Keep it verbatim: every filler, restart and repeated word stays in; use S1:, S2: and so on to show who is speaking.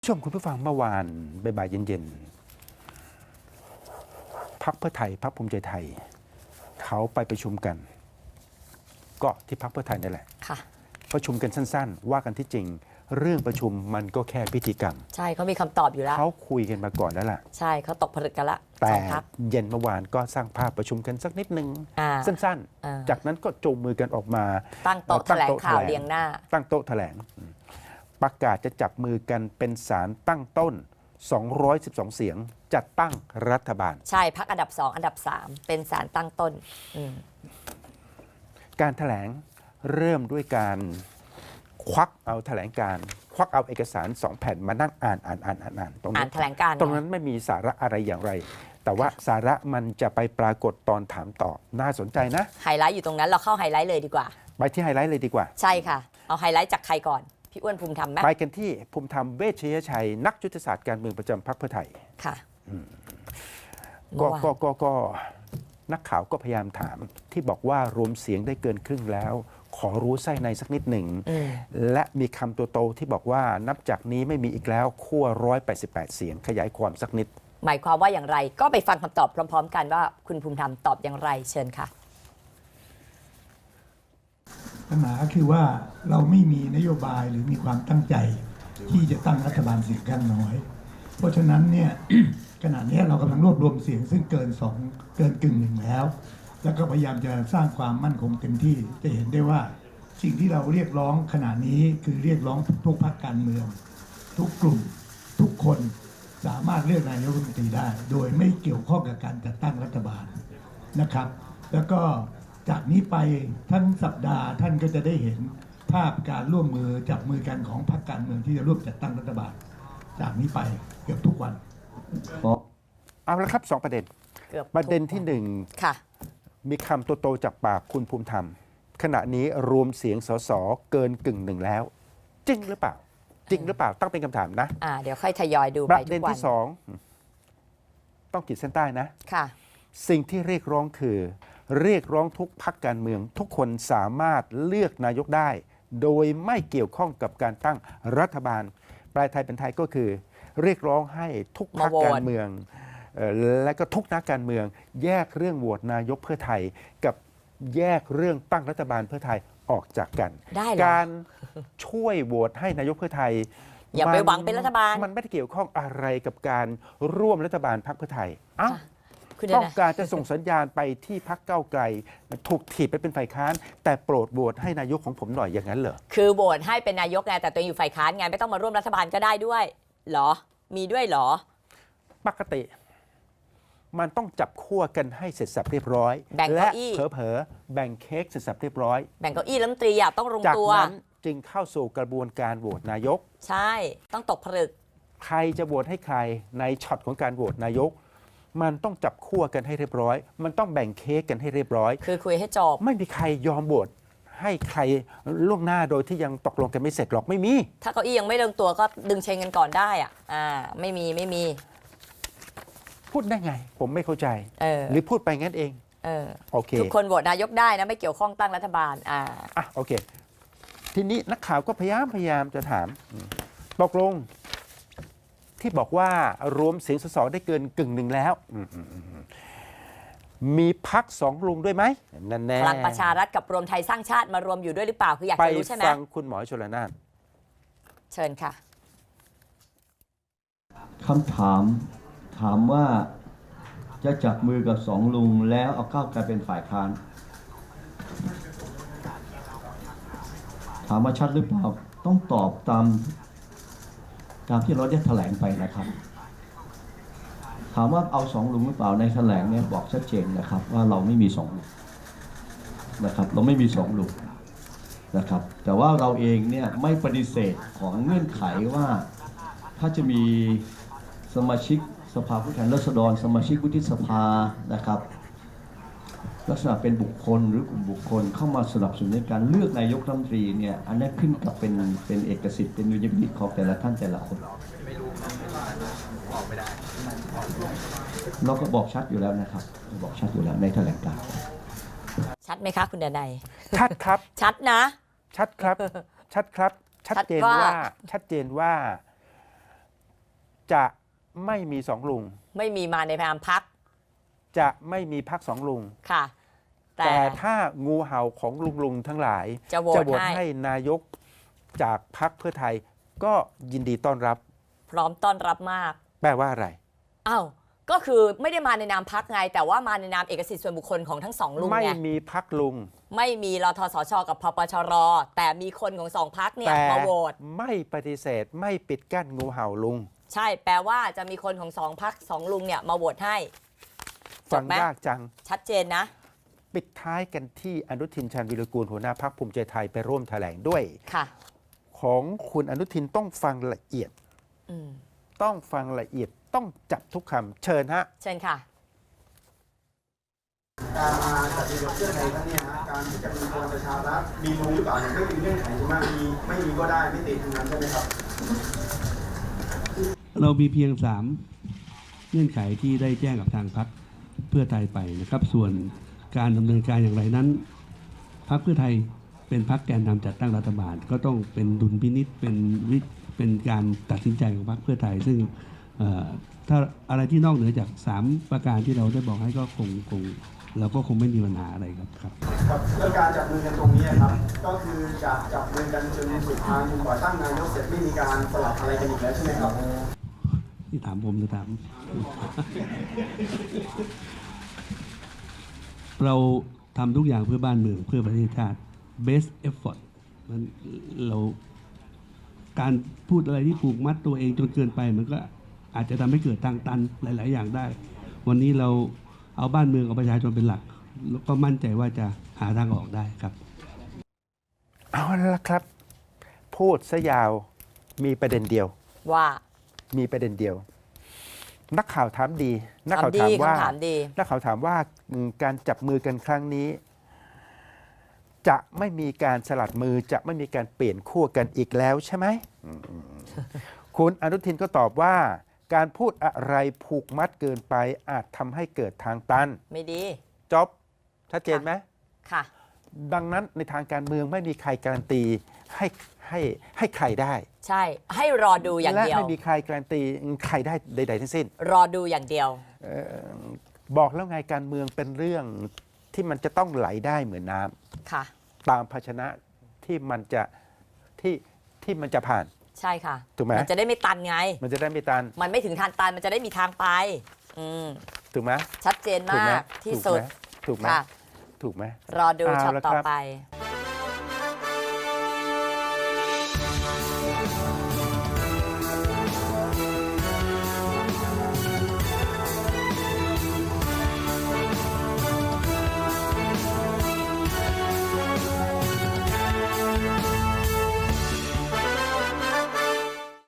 S1: ชมคุณผู้ฟังเมื่อวานบ่ายๆเย็นๆพรรคเพื่อไทยพรรคภูมิใจไทยเขาไปประชุมกันก็ที่พรรคเพื่อไทยนี่แหละ
S2: ค่ะ
S1: ประชุมกันสั้นๆว่ากันที่จริงเรื่องประชุมมันก็แค่พิธีกรรม
S2: ใช่เขามีคำตอบอยู่แล้ว
S1: เขาคุยกันมาก่อนแล้วล่ะ
S2: ใช่เขาตกผลึกกันละ
S1: แต่เย็นเมื่อวานก็สร้างภาพประชุมกันสักนิดนึงสั้นๆจากนั้นก็จูงมือกันออกมา
S2: ตั้งโต๊ะแถลงข่าวเรียงหน้า
S1: ตั้งโต๊ะแถลงประกาศจะจับมือกันเป็นศาลตั้งต้นสองร้อยสิบสองเสียงจัดตั้งรัฐบาล
S2: ใช่พรรคอันดับสองอันดับสามเป็นศาลตั้งต้น
S1: การแถลงเริ่มด้วยการควักเอาแถลงการควักเอาเอกสารสองแผ่นมานั่งอ่านอ่านอ่านอ่านอ่านตรงนั้น
S2: แถลงการ
S1: ตรงนั้นไม่มีสาระอะไรอย่างไร แต่ว่าสาระมันจะไปปรากฏตอนถามตอบน่าสนใจนะ
S2: ไฮไลท์อยู่ตรงนั้นเราเข้าไฮไลท์เลยดีกว่า
S1: ไปที่ไฮไลท์เลยดีกว่า
S2: ใช่ค่ะเอาไฮไลท์จากใครก่อนพี่อ้วนภูมิธรรมไหม
S1: ไปกันที่ภูมิธรรมเวชยชัยนักยุทธศาสตร์การเมืองประจำพรรคเพื่อไทย
S2: ค่ะ
S1: ก็ก็ก็ก็นักข่าวก็พยายามถามที่บอกว่ารวมเสียงได้เกินครึ่งแล้วขอรู้ไส้ในสักนิดหนึ่งและมีคำตัวโตที่บอกว่านับจากนี้ไม่มีอีกแล้วขั้วหนึ่งร้อยแปดสิบแปดเสียงขยายความสักนิด
S2: หมายความว่าอย่างไรก็ไปฟังคำตอบพร้อมๆกันว่าคุณภูมิธรรมตอบอย่างไรเชิญค่ะ
S3: ปัญหาคือว่าเราไม่มีนโยบายหรือมีความตั้งใจที่จะตั้งรัฐบาลเสียงข้างน้อย เพราะฉะนั้นเนี่ย ขณะนี้เรากำลังรวบรวมเสียงซึ่งเกินสองเกินกึ่งหนึ่งแล้ว แล้วก็พยายามจะสร้างความมั่นคงเต็มที่จะเห็นได้ว่าสิ่งที่เราเรียกร้องขณะนี้คือเรียกร้องทุกพรรคการเมืองทุกกลุ่มทุกคนสามารถเลือกนายกรัฐมนตรีได้โดยไม่เกี่ยวข้องกับการจัดตั้งรัฐบาลนะครับแล้วก็จากนี้ไปทั้งสัปดาห์ท่านก็จะได้เห็นภาพการร่วมมือจับมือกันของพรรคการเมืองที่จะร่วมจัดตั้งรัฐบาลจากนี้ไปเกือบทุกวัน
S1: เอาละครับสองประเด็นประเด็นที่หนึ่งมีคำโตๆจากปากคุณภูมิธรรมขณะนี้รวมเสียงสสเกินกึ่งหนึ่งแล้วจริงหรือเปล่าจริงหรือเปล่าตั้งเป็นคำถามนะ
S2: อ่าเดี๋ยวค่อยทยอยดู
S1: ไปประเด็นที่สองต้องขีดเส้นใต้นะ
S2: ค่ะ
S1: สิ่งที่เรียกร้องคือเรียกร้องทุกพรรคการเมืองทุกคนสามารถเลือกนายกได้โดยไม่เกี่ยวข้องกับการตั้งรัฐบาลปลายไทยเป็นไทยก็คือเรียกร้องให้ทุกพรรคการเมืองและก็ทุกนักการเมืองแยกเรื่องโหวตนายกเพื่อไทยกับแยกเรื่องตั้งรัฐบาลเพื่อไทยออกจากกันการช่วยโหวตให้นายกเพื่อไทย
S2: อย่าไปหวังเป็นรัฐบาล
S1: มันไม่ได้เกี่ยวข้องอะไรกับการร่วมรัฐบาลพรรคเพื่อไทยอ้าวต้องการจะส่งสัญญาณไปที่พรรคก้าวไกลถูกถีบไปเป็นฝ่ายค้านแต่โปรดโหวตให้นายกของผมหน่อยอย่างนั้นเหรอ
S2: คือโหวตให้เป็นนายกไงแต่ตัวเองอยู่ฝ่ายค้านไงไม่ต้องมาร่วมรัฐบาลก็ได้ด้วยเหรอมีด้วยเหรอ
S1: ปกติมันต้องจับขั้วกันให้เสร็จสับเรียบร้อย
S2: และ
S1: เผลอๆแบ่งเค้กเสร็จสับเรียบร้อย
S2: แบ่งเก้าอี้รัฐมนตรีต้องลงตัว
S1: จากนั้นจึงเข้าสู่กระบวนการโหวตนายก
S2: ใช่ต้องตกผลึก
S1: ใครจะโหวตให้ใครในช็อตของการโหวตนายกมันต้องจับขั้วกันให้เรียบร้อยมันต้องแบ่งเค้กกันให้เรียบร้อย
S2: คือคุยให้จบ
S1: ไม่มีใครยอมโหวตให้ใครล่วงหน้าโดยที่ยังตกลงกันไม่เสร็จหรอกไม่มี
S2: ถ้าเก้าอี้ยังไม่ลงตัวก็ดึงเชงกันก่อนได้อ่ะอ่าไม่มีไม่มี
S1: พูดได้ไงผมไม่เข้าใจหรือพูดไปงั้นเอง
S2: เออ
S1: โอเค
S2: ทุกคนโหวตนายกได้นะไม่เกี่ยวข้องตั้งรัฐบาลอ่า
S1: อ่ะโอเคทีนี้นักข่าวก็พยายามพยายามจะถามตกลงที่บอกว่ารวมเสียงสสได้เกินกึ่งหนึ่งแล้วมีพรรคสองลุงด้วยไหมนั่นแน่
S2: พลังประชารัฐกับรวมไทยสร้างชาติมารวมอยู่ด้วยหรือเปล่าคืออยากจะรู้ใช่ไหม
S1: ไปฟังคุณหมอชลนาน
S2: เชิญค่ะ
S4: คำถามถามว่าจะจับมือกับสองลุงแล้วเอาก้าวไกลเป็นฝ่ายค้านถามว่าชัดหรือเปล่าต้องตอบตามตามที่เราได้แถลงไปนะครับถามว่าเอาสองลุงหรือเปล่าในแถลงเนี่ยบอกชัดเจนนะครับว่าเราไม่มีสองลุงนะครับเราไม่มีสองลุงนะครับแต่ว่าเราเองเนี่ยไม่ปฏิเสธของเงื่อนไขว่าถ้าจะมีสมาชิกสภาผู้แทนราษฎรสมาชิกวุฒิสภานะครับลักษณะเป็นบุคคลหรือกลุ่มบุคคลเข้ามาสนับสนุนในการเลือกนายกรัฐมนตรีเนี่ยอันนี้ขึ้นกับเป็นเป็นเอกสิทธิ์เป็นดุลยพินิจของแต่ละท่านแต่ละคนเราก็บอกชัดอยู่แล้วนะครับบอกชัดอยู่แล้วในแถลงการณ์
S2: ชัดไหมคะคุณดนัย
S1: ชัดครับ
S2: ชัดนะ
S1: ชัดครับชัดครับชัดเจนว่าชัดเจนว่าจะไม่มีสองลุง
S2: ไม่มีมาในนามพัก
S1: จะไม่มีพักสองลุง
S2: ค่ะ แต่
S1: แต่ถ้างูเห่าของลุงลุงๆทั้งหลาย
S2: จะโหวตให้
S1: ให้นายกจากพักเพื่อไทยก็ยินดีต้อนรับ
S2: พร้อมต้อนรับมาก
S1: แปลว่าอะไร
S2: อ้าวก็คือไม่ได้มาในนามพักไง แต่ว่ามาในนามเอกสิทธิ์ส่วนบุคคลของทั้งสองลุง
S1: ไม่
S2: ไง
S1: มีพักลุง
S2: ไม่มีรทสชกับพปชร แต่มีคนของสองพักเนี่ย
S1: แต่
S2: มาโหวต
S1: ไม่ปฏิเสธไม่ปิดกั้นงูเห่าลุง
S2: ใช่แปลว่าจะมีคนของสองพักสองลุงเนี่ยมาโหวตให้จ
S1: ฟั
S2: บ
S1: ง
S2: ไหม
S1: ยากจัง
S2: ชัดเจนนะ
S1: ปิดท้ายกันที่อนุทินชาญวิรกูลหัวหน้าพักภูมิใจไทยไปร่วมแถลงด้วย
S2: ค่ะ
S1: ของคุณอนุทินต้องฟังละเอียด
S2: อืม
S1: ต้องฟังละเอียดต้องจับทุกคำเชิญฮะ
S2: เชิญค่ะ
S5: การมาจัดระเบียบเพื่อไทยครั้งเนี้ยนะการที่จะมีพลังประชารัฐมีลุงหรือเปล่าเนี่ยไม่มีเงื่อนไขใช่ไหมมีไม่มีก็ได้ไม่ติดทั้งนั้นใช่ไหมครับ
S6: เรามีเพียงสามเงื่อนไขที่ได้แจ้งกับทางพรรคเพื่อไทยไปนะครับ ส่วนการดำเนินการอย่างไรนั้นพรรคเพื่อไทยเป็นพรรคแกนนำจัดตั้งรัฐบาล ก็ต้องเป็นดุลพินิษเป็นวิเป็นการตัดสินใจของพรรคเพื่อไทย ซึ่งเอ่อถ้าอะไรที่นอกเหนือจากสามประการที่เราได้บอกให้ก็คงคงเราก็คงไม่มีปัญหาอะไรครับครับ
S5: ครับเรื่องการจับมือกันตรงนี้ครับ ก็คือจะจับมือกันจนสุดทางจนกว่าตั้งนายกเสร็จไม่มีการสลับอะไรกันอีกแล้วใช่ไหมครับ
S6: ที่ถามผมจะถาม เราทำทุกอย่างเพื่อบ้านเมืองเพื่อประเทศชาติ best effort มันเราการพูดอะไรที่ผูกมัดตัวเองจนเกินไป มันก็อาจจะทำให้เกิดทางตันหลาย ๆ อย่างได้ วันนี้เราเอาบ้านเมืองเอาประชาชนเป็นหลัก แล้วก็มั่นใจว่าจะหาทางออกได้ครับ
S1: เอาละครับ พูดซะยาวมีประเด็นเดียว
S2: ว่า
S1: มีประเด็นเดียว นักข่าวถามดี นัก
S2: ถาม
S1: ข่าว
S2: ดี
S1: ถามว่า
S2: คำถามดี
S1: นักข่าวถามว่าอืมการจับมือกันครั้งนี้ จะไม่มีการสลัดมือจะไม่มีการเปลี่ยนขั้วกันอีกแล้วใช่ไหมอืมคุณอนุทินก็ตอบว่า การพูดอะไรผูกมัดเกินไปอาจทำให้เกิดทางตัน
S2: ไม่ดี
S1: จบชัดเจนไหม
S2: ค่ะ
S1: ดังนั้นในทางการเมืองไม่มีใครการันตีให้ให้ให้ใครได้
S2: ใช่ ให้รอดูอย่าง
S1: และ
S2: เดียว
S1: ไม่มีใครการันตีใครได้ใดๆทั้งสิ้น
S2: รอดูอย่างเดียว
S1: เอ่อบอกแล้วไงการเมืองเป็นเรื่องที่มันจะต้องไหลได้เหมือนน้ำ
S2: ค่ะ
S1: ตามภาชนะที่มันจะที่ที่มันจะผ่าน
S2: ใช่ค่ะ
S1: ถูกไหม
S2: นจะได้ไม่ตันไง
S1: มันจะได้ไม่ตัน
S2: มันไม่ถึงทางตัน มันจะได้มีทางไป อืม
S1: ถูกไหม
S2: ชัดเจน
S1: ถูก
S2: มา
S1: ไหม
S2: กที่สุด
S1: ถูกไหม
S2: ค่ะ
S1: ถูกไหม
S2: รอดู
S1: เอา
S2: ช็อต
S1: ละ
S2: ต่อ
S1: ครับ
S2: ไป